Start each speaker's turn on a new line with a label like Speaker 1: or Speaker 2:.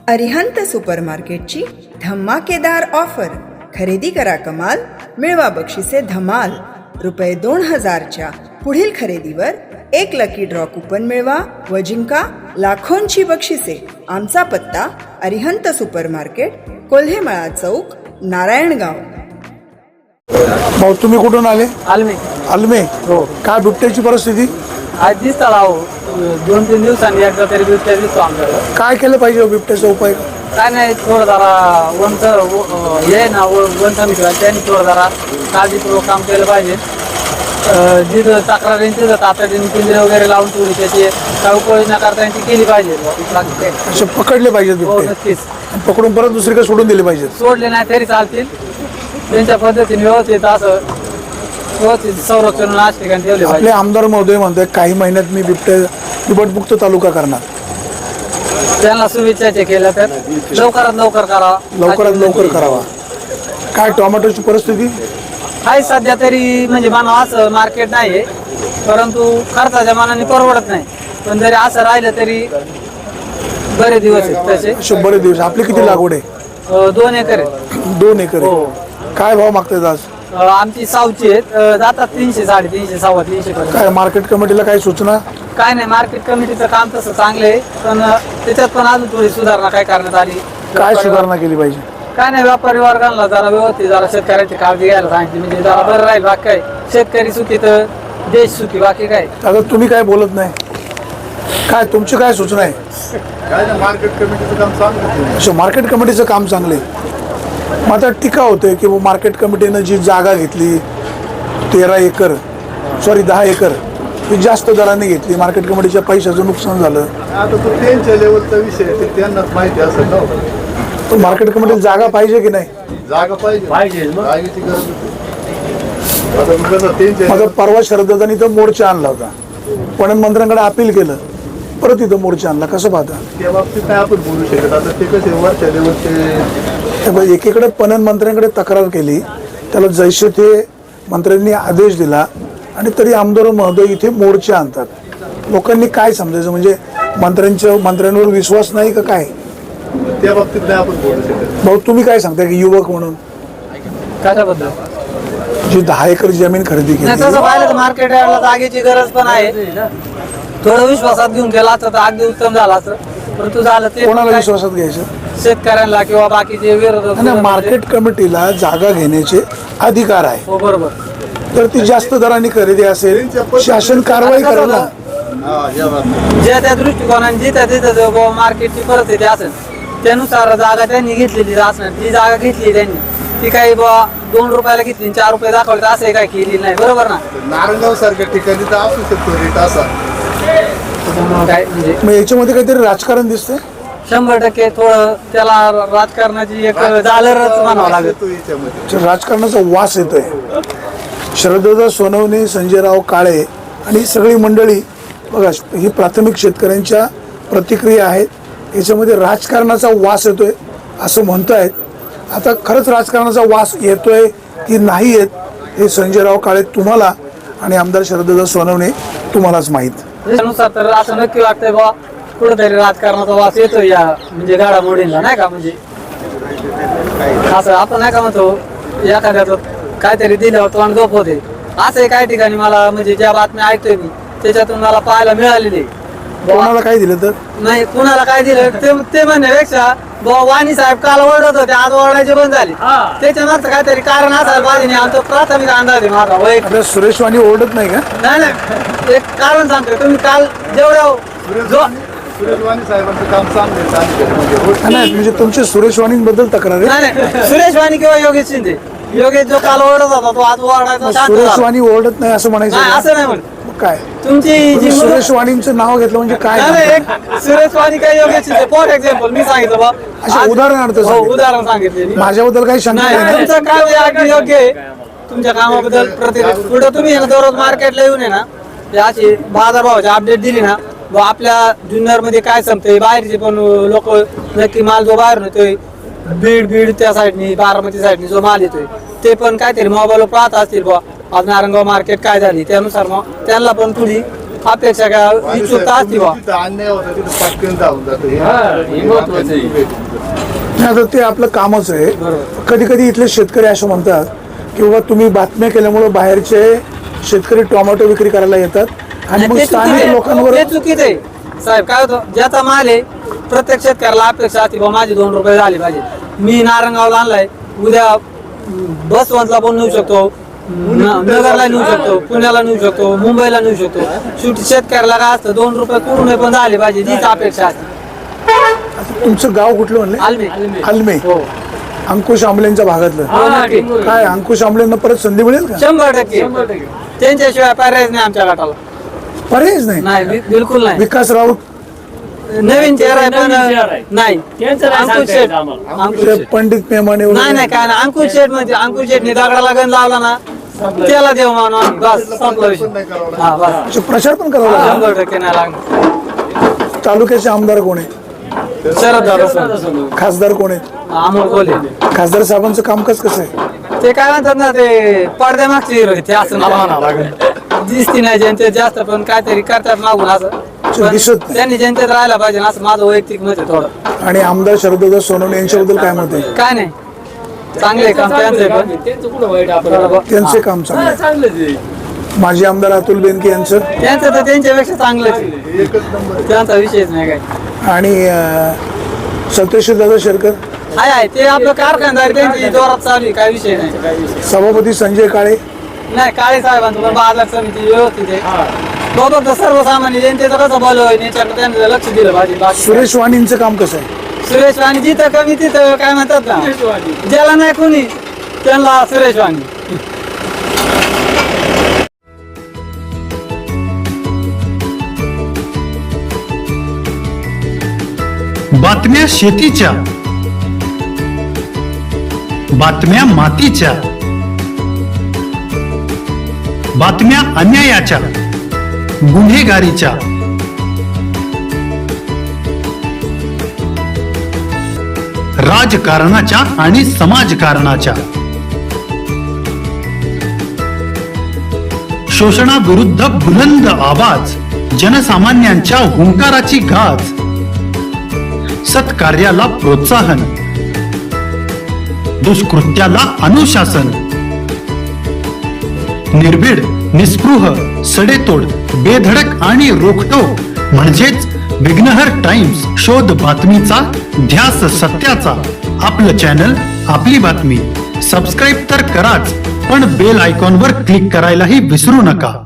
Speaker 1: अरिहंत सुपरमार्केटची धमाकेदार ऑफर. खरेदी करा कमाल, मिळवा बक्षिसे धमाल. ₹2000च्या पुढील खरेदीवर 1 लकी ड्रॉ कुपन मिळवा व जिंका लाखोंची बक्षिसे. आमचा पत्ता अरिहंत सुपरमार्केट, कोल्हेमळा चौक, नारायणगाव.
Speaker 2: भाऊ तुम्ही कुठून आले?
Speaker 3: आलमे.
Speaker 2: आलमे.
Speaker 3: हो.
Speaker 2: काय बिबट्याची परिस्थिती?
Speaker 3: आज दिसता राहो 2-3 दिवसांनी एकदा तरी बिबट्या दिसतो आमच्याकडे.
Speaker 2: काय केलं पाहिजे बिबट्याचा उपाय?
Speaker 3: काय नाही, थोडं जरा हे ना वन समिती त्यांनी थोडं जरा काळजीपूर्वक काम केलं पाहिजे. जिथं तक्रार येईल तिथं तातडीने पिंजरे वगैरे लावून थोडी त्याची काय उपाययोजना करता येईल ती केली पाहिजे.
Speaker 2: असे पकडले पाहिजेत
Speaker 3: हो,
Speaker 2: बिबटे,
Speaker 3: नक्कीच.
Speaker 2: पकडून परत दुसरीकडे सोडून दिले पाहिजेत.
Speaker 3: सोडले नाही तरी चालतील, त्यांच्या पद्धतीने व्यवस्थित असं व्यवस्थित संरक्षण नाश ठिकाणी ठेवले
Speaker 2: आपले
Speaker 3: पाहिजे.
Speaker 2: आमदार महोदय म्हणतात काही महिन्यात मी बिबटमुक्त तालुका करणार.
Speaker 3: त्यांना शुभेच्छा केल्या तर लवकरात लवकर करावा.
Speaker 2: लवकरात लवकर करावा. काय टोमॅटोची परिस्थिती?
Speaker 3: आहे सध्या तरी म्हणजे मानव असं मार्केट नाही, परंतु खर्चाच्या मानाने परवडत नाही. पण जरी असं राहिलं तरी बरे दिवस आहेत तसे.
Speaker 2: असे बरेच दिवस. आपली किती लागवड आहे?
Speaker 3: 2 एकर आहे.
Speaker 2: 2 एकर आहे.
Speaker 3: हो.
Speaker 2: काय भाव मागतात आज?
Speaker 3: आमची सावची आहेत, जातात 300, 350, 350 पर्यंत.
Speaker 2: काय मार्केट कमिटीला काही सूचना?
Speaker 3: काय नाही, मार्केट कमिटीचं काम तसं चांगलं आहे, पण त्याच्यात पण अजून थोडी सुधारणा काय करण्यात आली.
Speaker 2: काय सुधारणा केली पाहिजे?
Speaker 3: काय नाही, व्यापारी वर्गाला जरा व्यवस्थित जरा शेतकऱ्यांची काळजी घ्यायला सांगितली, म्हणजे जरा बरं राहील. बाकी काय, शेतकरी सुखी तर देश सुखी, बाकी काय.
Speaker 2: आता तुम्ही काय बोलत नाही, काय तुमची काय सूचना आहे?
Speaker 4: काय नाही, मार्केट कमिटीचं काम चांगलं.
Speaker 2: असं मार्केट कमिटीचं काम चांगलं आहे. मग आता टीका होते की मार्केट कमिटीनं जी जागा घेतली 10 एकर ही जास्त दराने घेतली, मार्केट कमिटीच्या पैशाचं नुकसान झालं.
Speaker 4: आता तो त्यांच्या लेवलचा विषय आहे, ते त्यांनाच माहिती असेल ना.
Speaker 2: तर मार्केट कमिटीला जागा पाहिजे की नाही?
Speaker 4: जागा पाहिजे, जागेची गरज होती. आता कसं त्यांच्या
Speaker 2: माझा परवा शरददादांनी इथं मोर्चा आणला होता, पण मंत्र्यांकडे अपील केलं, परत इथं मोर्चा आणला. कसं पाहता?
Speaker 4: त्या बाबतीत नाही आपण बोलू शकत. आता ते कसे वरच्या लेवलचे
Speaker 2: एकीकडे पणन मंत्र्यांकडे तक्रार केली, त्याला जैसे ते मंत्र्यांनी आदेश दिला, आणि तरी आमदार महोदय इथे मोर्चा आणतात. लोकांनी काय समजायचं? म्हणजे मंत्र्यांवर विश्वास नाही का काय?
Speaker 4: त्या बाबतीत नाही आपण बोलू शकत.
Speaker 2: भाऊ तुम्ही काय सांगता की युवक म्हणून
Speaker 3: कशाबद्दल?
Speaker 2: जी 10 एकर जमीन खरेदी
Speaker 3: नाही,
Speaker 2: केली,
Speaker 3: तसं पाहिलं तर मार्केट यार्डला जागेची गरज पण आहे. थोडं विश्वासात घेऊन गेला असतं तर अगदी उत्तम झालं असतं, परंतु झालं ते
Speaker 2: कोणाला विश्वासात घ्यायचं?
Speaker 3: शेतकऱ्यांना किंवा बाकीचे विरोधक.
Speaker 2: आणि मार्केट कमिटीला जागा घेण्याचे अधिकार आहे.
Speaker 3: हो, बरोबर.
Speaker 2: तर ती जास्त दराने खरेदी असेल, शासन कारवाई करेल ना.
Speaker 4: या बाबतीत
Speaker 3: ज्या त्या दृष्टिकोनाने जिथं तिथं मार्केटची परिस्थिती असेल त्यानुसार जागा त्यांनी घेतलेली असणार. जी जागा घेतली त्यांनी ती काही ₹2 घेतली, 4 रुपये दाखवले तर असं काय केली नाही, बरोबर ना?
Speaker 4: नारायणगाव सारख्या ठिकाणी तर असू शकतो रेट असा.
Speaker 3: त्यामुळं काय म्हणजे
Speaker 2: मग याच्यामध्ये काहीतरी राजकारण दिसतंय.
Speaker 3: 100% थोडं त्याला राजकारणाची एक झालरच म्हणावं लागेल.
Speaker 4: येतो याच्यामध्ये.
Speaker 2: राजकारणाचा वास येतोय. शरददादा सोनवणे, संजयराव काळे आणि सगळी मंडळी बघा, ही प्राथमिक शेतकऱ्यांच्या प्रतिक्रिया आहेत. याच्यामध्ये राजकारणाचा वास येतोय असं म्हणतायत. आता खरंच राजकारणाचा वास येतोय की नाही येत हे संजयराव काळे तुम्हाला आणि आमदार शरददादा सोनवणे तुम्हालाच माहीत.
Speaker 3: त्यानुसार तर असं नक्की वाटतंय बा कुठेतरी राजकारणाचा वास येतो या म्हणजे घडामोडींना, नाही का? म्हणजे असं आपण नाही का म्हणतो एखाद्याचं काहीतरी दिल्यावर तोंड गप होते, असं काही ठिकाणी मला म्हणजे ज्या बातम्या ऐकतोय मी त्याच्यातून मला पाहायला मिळालेली.
Speaker 2: कोणाला काय दिलं तर
Speaker 3: नाही, कुणाला काय दिलं ते म्हणण्यापेक्षा वाणी साहेब काल ओरडत होते, आज ओरडायचे बंद झाले. त्याच्या मागचं काहीतरी कारण असायला पाहिजे. आमचा प्राथमिक अंदाज आहे माझा वैयक्तिक.
Speaker 2: आपल्या सुरेश वाणी ओरडत नाही का?
Speaker 3: नाही, एक कारण सांगतोय. तुम्ही काल जेवढं
Speaker 4: सुरेश वाणी साहेबांचं काम चांगलं आहे.
Speaker 2: नाही, म्हणजे तुमच्या सुरेश वाणींबद्दल तक्रार आहे.
Speaker 3: नाही, सुरेश वाणी किंवा योगेश शिंदे. योगेश जो काल ओरडत होता तो आज ओरडायचा शांत
Speaker 2: सुरेश
Speaker 3: झाला.
Speaker 2: वाणी ओरडत नाही असं म्हणायचं
Speaker 3: नाही,
Speaker 2: का?
Speaker 3: असं नाही म्हणत.
Speaker 2: मग काय
Speaker 3: तुमची जी
Speaker 2: तुम्ही सुरेश वाणींचं नाव घेतलं म्हणजे काय?
Speaker 3: नाही, नाही, एक सुरेश वाणी काय योगेश शिंदे फॉर एक्झाम्पल मी सांगितलं बा.
Speaker 2: अच्छा, उदाहरणार्थ
Speaker 3: हो,
Speaker 2: सांगितलं.
Speaker 3: उदाहरण सांगितले मी.
Speaker 2: माझ्याबद्दल काही शंका
Speaker 3: नाही,
Speaker 2: नाही ना?
Speaker 3: तुमचं काम हे अगदी योग्य आहे. तुमच्या कामाबद्दल पुढे तुम्ही आहे ना दररोज मार्केटला येऊन आहे ना ते अशी बाजारभावाची अपडेट दिली ना, व आपल्या जुन्नर मध्ये काय संपतंय, बाहेरचे पण लोक नक्की माल जो बाहेर येतोय बीड त्या साईडनी, बारामती साईडनी जो माल येतोय ते पण काहीतरी मोबाईलवर पाहत असतील बा आज नारायणगाव मार्केट काय झाली, त्यानुसार मग त्यांना पण थोडी अपेक्षा काय इच्छुकता असते बा.
Speaker 4: तिथं अन्याय होता तिथं पटकन धावून जातं
Speaker 2: नाही, आता ते आपलं कामच आहे. कधी कधी इथले शेतकरी असं म्हणतात की बाबा तुम्ही बातम्या केल्यामुळे बाहेरचे शेतकरी टोमॅटो विक्री करायला येतात आणि मग
Speaker 3: ते
Speaker 2: स्थानिक
Speaker 3: चुकीचं आहे.
Speaker 2: लोकांवर
Speaker 3: ते चुकीचं आहे साहेब. काय होतं ज्याचा माल आहे प्रत्येक शेतकऱ्याला अपेक्षा असते बा माझे 2 रुपये झाले पाहिजे. मी नारंगावला आणलाय, उद्या बसवंतला पण नेऊ शकतो, नगरला नेऊ शकतो, पुण्याला नेऊ शकतो, मुंबईला नेऊ शकतो. शेवटी शेतकऱ्याला काय असतं 2 रुपये कुठून पण झाले पाहिजे हीच अपेक्षा असते.
Speaker 2: तुमचं गाव कुठलं म्हणले?
Speaker 3: आलमे.
Speaker 2: आलमे.
Speaker 3: हो.
Speaker 2: अंकुश आंबलेंच्या भागातलं.
Speaker 3: हो, नक्की.
Speaker 2: काय अंकुश आंबलेंना परत संधी मिळेल का?
Speaker 3: 100%. त्यांच्याशिवाय पर्यायच नाही आमच्या गटाला.
Speaker 2: पर्यायच नाही.
Speaker 3: नाही बिलकुल नाही.
Speaker 2: विकास राऊत
Speaker 3: नवीन चेहरा आहे पण नाही. अंकुश शेठ. अंकुश शेठ.
Speaker 2: पंडित मेमाने वगैरे.
Speaker 3: नाही नाही काय नाही. अंकुश शेठ म्हणजे अंकुश शेठने दगडाला गण लावला ना त्याला देव मानून बस संपला विषय. हा बस.
Speaker 2: अच्छा, प्रचार पण करावा लागेल.
Speaker 3: 100% नाही लागणार.
Speaker 2: तालुक्याचे आमदार कोण आहे?
Speaker 3: शरद दादा
Speaker 2: खासदार कोण आहेत?
Speaker 3: अमोल कोल्हे.
Speaker 2: खासदार साहेबांचं कामकाज कसं आहे?
Speaker 3: ते काय म्हणतात ना ते पडद्या मागचे हिरो आहेत. ते असं मला म्हणावं लागेल. दिसती नाही जनतेत जास्त पण काहीतरी करतात मागून असं. पण
Speaker 2: दिसत नाही.
Speaker 3: त्यांनी जनतेत राहायला पाहिजे ना असं माझं वैयक्तिक मत आहे थोडं.
Speaker 2: आणि आमदार शरददादा सोनवणे यांच्याबद्दल काय मत आहे?
Speaker 3: काय नाही चांगले काम त्यांचे पण
Speaker 2: त्यांचे काम चांगले. माजी आमदार अतुल बेनके यांचं
Speaker 3: त्यांचं तर त्यांच्यापेक्षा चांगलंच आहे. त्यांचा विषयच नाही काय.
Speaker 2: आणि सत्यशील दादा शेरकर,
Speaker 3: आहे ते आपलं कारखानदार त्यांची जोरात चालू आहे, काय विषय नाही.
Speaker 2: सभापती संजय काळे,
Speaker 3: नाही काळे साहेबांचं पण बाजार समिती व्यवस्थित आहे. बाबा सर्वसामान्य जनतेचं कसं बल होईल याच्याकडे त्यांनी लक्ष दिलं पाहिजे. बाकी
Speaker 2: सुरेश वाणींचं काम कसं आहे?
Speaker 3: सुरेश वाणी जिथं कमी तिथं काय म्हणतात ना ज्याला नाही कोणी त्यांना सुरेश वाणी.
Speaker 5: बातम्या शेतीच्या, बातम्या मातीच्या, बातम्या अन्यायाच्या, गुन्हेगारीच्या, राजकारणाच्या आणि समाजकारणाच्या, शोषणाविरुद्ध बुलंद आवाज, जनसामान्यांच्या हुंकाराची गाज, सत्कार्याला प्रोत्साहन, दुष्कृत्याला अनुशासन, निर्भीड, निस्पृह, सडेतोड, बेधडक आणि रोखटोक म्हणजेच विघ्नहर टाइम्स. शोध बातमीचा, ध्यास सत्याचा. आपलं चॅनल, आपली बातमी. सबस्क्राईब तर कराच, पण बेल आयकॉनवर क्लिक करायलाही विसरू नका.